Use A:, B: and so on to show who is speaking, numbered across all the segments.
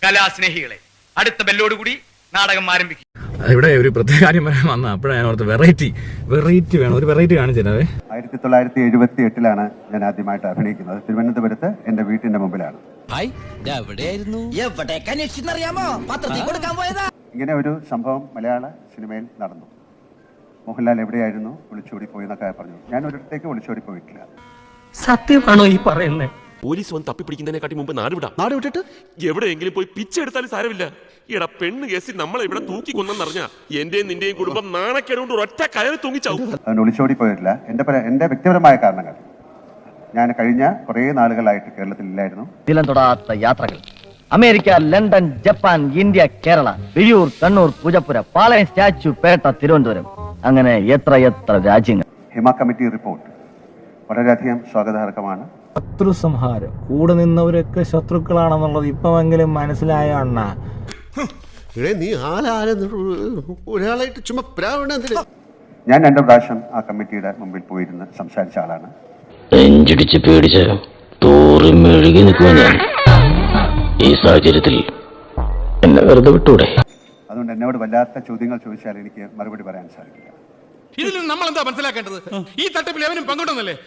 A: കലാസ്നേഹികളെ, അടുത്ത ബെല്ലോടുകൂടി നാടകം ആരംഭിക്കും.
B: ഇവിടെ ഒരു പ്രത്യേക കാര്യം പറയാൻ വന്ന അപ്പോഴാണ് ഞാൻ ഓർത്ത് വെറൈറ്റി വേണം, ഒരു വെറൈറ്റി കാണിച്ചിരുന്നത്.
C: 1978 ഞാൻ ആദ്യമായിട്ട് അഭിനയിക്കുന്നത് തിരുവനന്തപുരത്ത് എന്റെ വീട്ടിന്റെ മുമ്പിലാണ്. ഇങ്ങനെ ഒരു സംഭവം മലയാള സിനിമയിൽ നടന്നു. മോഹൻലാൽ എവിടെയായിരുന്നു, ഒളിച്ചോടി പോയി എന്നൊക്കെ പറഞ്ഞു. ഞാൻ ഒരിടത്തേക്ക് ഒളിച്ചോടി പോയിട്ടില്ല.
D: സത്യമാണോ ഈ പറയുന്നത്?
E: പോലീസ് വന്ന് തപ്പിപ്പിടിക്കുന്നതിനെക്കാട്ടി മുമ്പ് നാട് വിട്ടിട്ട് എവിടെയെങ്കിലും പോയി പിച്ചെടുത്താലും സാരമില്ല. എടാ, പെണ്ണ് കേസിൽ നമ്മളെ ഇവിടെ തൂക്കി കൊന്നെന്നറിഞ്ഞ എന്റെയും നിന്റെയും കുടുംബം നാണക്കേടുകൊണ്ട് ഒറ്റ കയറി തൂങ്ങിച്ചാവും.
C: അതുകൊണ്ട് ഒളിച്ചോടി പോയിട്ടില്ല. എന്റെ വ്യക്തിപരമായ കാരണങ്ങൾ, ഞാൻ കഴിഞ്ഞ കുറെ നാളുകളായിട്ട് കേരളത്തിലില്ലായിരുന്നു.
D: തൊടാത്ത യാത്രകൾ, America, London, Japan, India, Kerala, Vizhiyoor, Kannur, Poojappura, Palayam, Statue, Pettah, Thiruvananthapuram, അങ്ങനെ എത്ര രാജ്യങ്ങൾ.
C: ഹിമ കമ്മിറ്റി റിപ്പോർട്ട് വളരെയധികം സ്വാഗതാർഹമാണ്.
B: ശത്രു സംഹാരം, കൂടെ നിന്നവരൊക്കെ ശത്രുക്കളാണെന്നുള്ളത് ഇപ്പമെങ്കിലും മനസ്സിലായ അണ്ണ.
C: ഞാൻ 2 പ്രാവശ്യം ആ കമ്മിറ്റിയുടെ മുമ്പിൽ പോയിരുന്ന് സംസാരിച്ച ആളാണ്.
F: നെഞ്ചിടിച്ച് പേടിച്ച് തോറി മെഴുകി നിൽക്കുവാൻ ഞാൻ ഈ സാഹചര്യത്തിൽ എന്നെ വെറുതെ വിട്ടൂടെ?
C: അതുകൊണ്ട് എന്നോട് വല്ലാത്ത ചോദ്യങ്ങൾ ചോദിച്ചാൽ എനിക്ക് മറുപടി പറയാൻ സാധിക്കില്ല.
E: ഇതിൽ നമ്മൾ എന്താ മനസ്സിലാക്കേണ്ടത്? ഈ തട്ടിപ്പിൽ എവനും പങ്കുണ്ടെന്നല്ലേ?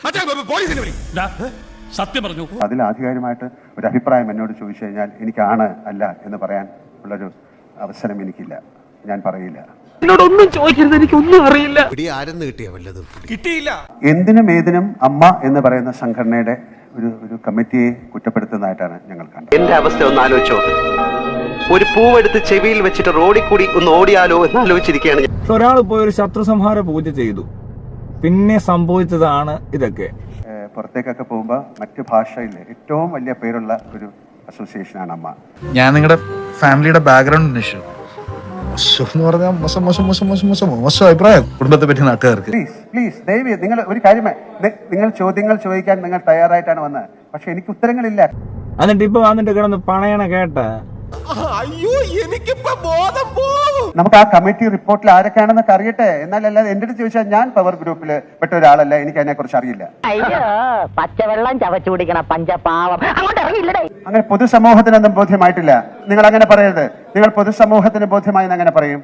E: സത്യം പറഞ്ഞു.
C: അതിൽ ആധികാരികമായിട്ട് ഒരു അഭിപ്രായം എന്നോട് ചോദിച്ചു കഴിഞ്ഞാൽ എനിക്കാണ് അല്ല എന്ന് പറയാൻ ഉള്ളൊരു അവസരം എനിക്കില്ല. ഞാൻ പറയില്ല.
D: എന്നോടൊന്നും ചോദിക്കരുത്, എനിക്കൊന്നും അറിയില്ല.
E: കിട്ടിയില്ല.
C: എന്തിനും ഏതിനും അമ്മ എന്ന് പറയുന്ന സംഘടനയുടെ ഒരു കമ്മിറ്റിയെ കുറ്റപ്പെടുത്തുന്നതായിട്ടാണ് ഞങ്ങൾ കണ്ടത്.
G: എന്റെ അവസ്ഥ ഒന്ന് ആലോചിച്ചോ. ഒരു പൂവെടുത്ത് ചെവിയിൽ വെച്ചിട്ട് റോഡിൽ കൂടി ഒന്ന് ഓടിയാലോ എന്ന് ആലോചിച്ചിരിക്കുകയാണ്.
B: ഒരാൾ പോയി ഒരു ശത്രു സംഹാര പൂജ ചെയ്തു, പിന്നെ സംഭവിച്ചതാണ് ഇതൊക്കെ.
C: പുറത്തേക്കൊക്കെ പോകുമ്പോൾ മറ്റു ഭാഷയിൽ ഏറ്റവും വലിയ പേരുള്ള ഒരു അസോസിയേഷനാണ് അമ്മ.
H: ഞാൻ നിങ്ങളുടെ ഫാമിലിയുടെ ബാക്ക്ഗ്രൗണ്ട് അന്വേഷിച്ചു. എന്ന് പറഞ്ഞാൽ മോശം അഭിപ്രായം കുടുംബത്തെ പറ്റി നാട്ടുകാർക്ക്.
C: പ്ലീസ് ദയവ് നിങ്ങൾ ഒരു കാര്യം, നിങ്ങൾ ചോദ്യങ്ങൾ ചോദിക്കാൻ നിങ്ങൾ തയ്യാറായിട്ടാണ് വന്നത്, പക്ഷെ എനിക്ക് ഉത്തരങ്ങളില്ല.
B: എന്നിട്ട് ഇപ്പൊ വന്നിട്ട് കിടന്ന് പണയണ കേട്ട.
E: അയ്യോ, എനിക്കിപ്പോ ബോധം പോകും.
C: നമുക്ക് ആ കമ്മിറ്റി റിപ്പോർട്ടിൽ ആരൊക്കെയാണെന്നൊക്കെ അറിയട്ടെ. എന്നാലല്ലാതെ എന്റെ അടുത്ത് ചോദിച്ചാൽ ഞാൻ പവർ ഗ്രൂപ്പിൽ പെട്ട ഒരാളല്ല, എനിക്ക് അതിനെ കുറിച്ച് അറിയില്ല.
D: പച്ചവെള്ളം ചവച്ചു കുടിക്കണ പഞ്ചപാവം അങ്ങോട്ട് ഇറങ്ങിയില്ലേ?
C: അങ്ങനെ പൊതുസമൂഹത്തിനൊന്നും ബോധ്യമായിട്ടില്ല. നിങ്ങൾ അങ്ങനെ പറയരുത്. നിങ്ങൾ പൊതുസമൂഹത്തിന് ബോധ്യമായി അങ്ങനെ പറയും.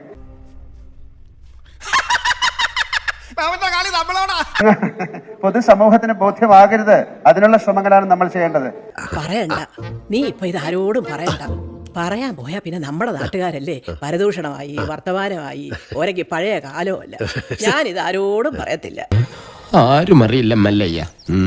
C: പൊതുസമൂഹത്തിന് ബോധ്യമാകരുത്. അതിനുള്ള ശ്രമങ്ങളാണ് നമ്മൾ ചെയ്യേണ്ടത്.
I: പറയണ്ട, നീ ഇപ്പൊ ഇത് ആരോടും പറയണ്ട. പറയാൻ പോയാ പിന്നെ നമ്മുടെ നാട്ടുകാരല്ലേ പരദൂഷണമായി, വർത്തമാനമായി, ഓരക്ക് പഴയ കാലമല്ല. ഞാനിത് ആരോടും പറയത്തില്ല.
F: ആരും അറിയില്ല മല്ലയ്യ.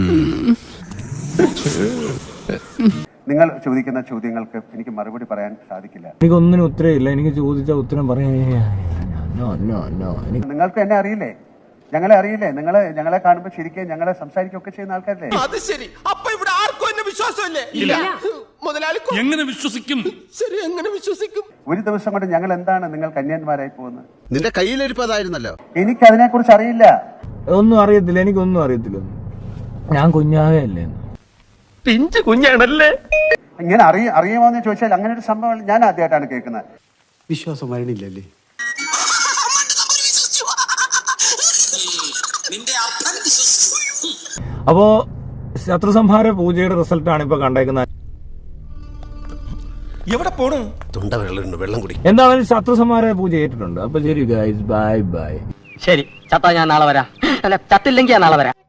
C: നിങ്ങൾ ചോദിക്കുന്ന ചോദ്യങ്ങൾക്ക് എനിക്ക് മറുപടി പറയാൻ സാധിക്കില്ല.
B: എനിക്കൊന്നിനും ഉത്തരവില്ല. എനിക്ക് ചോദിച്ച ഉത്തരം പറയാൻ
C: നിങ്ങൾക്ക് എന്നെ അറിയില്ലേ, ഞങ്ങളെ അറിയില്ലേ? ഞങ്ങളെ കാണുമ്പോൾ ശരിക്കും ഞങ്ങളെ സംസാരിക്കുകയൊക്കെ ചെയ്യുന്ന ആൾക്കാരല്ലേ?
E: അത് ശരി. അപ്പൊ ഇവിടെ ആർക്കും എന്നെ വിശ്വാസമല്ലേ? ഇല്ല. മുതലാളി എങ്ങനെ വിശ്വസിക്കും? ശരി, എങ്ങനെ വിശ്വസിക്കും?
C: ഒരു ദിവസം കൊണ്ട് ഞങ്ങൾ എന്താണ് നിങ്ങൾ കന്യാന്മാരായി പോകുന്നത്?
G: നിന്റെ കയ്യിലിരിപ്പതായിരുന്നല്ലോ.
C: എനിക്ക് അതിനെ കുറിച്ച് അറിയില്ല.
B: ഒന്നും അറിയത്തില്ല, എനിക്കൊന്നും അറിയത്തില്ല. ഞാൻ കുഞ്ഞാവേ അല്ലേ,
D: പിഞ്ചു കുഞ്ഞാണല്ലേ.
C: ഇങ്ങനെ അറിയുമോന്ന് ചോദിച്ചാൽ അങ്ങനെ ഒരു സംഭവം ഞാൻ ആദ്യമായിട്ടാണ് കേൾക്കുന്നത്.
G: വിശ്വാസം വരണില്ലല്ലേ?
B: അപ്പോ ശത്രു സംഹാര പൂജയുടെ റിസൾട്ടാണ് ഇപ്പൊ കണ്ടേക്കുന്നത്.
E: എവിടെ പോണു?
G: തൊണ്ട വെള്ളം കുടി.
B: എന്തായാലും ശത്രു സംഹാര പൂജ ഏറ്റിട്ടുണ്ട്. അപ്പൊ ശരി ഗൈസ്, ബൈ ബൈ.
D: ശരി, ചത്താ ഞാൻ നാളെ വരാം. അല്ല, ചത്തില്ലെങ്കിൽ ഞാൻ നാളെ വരാം.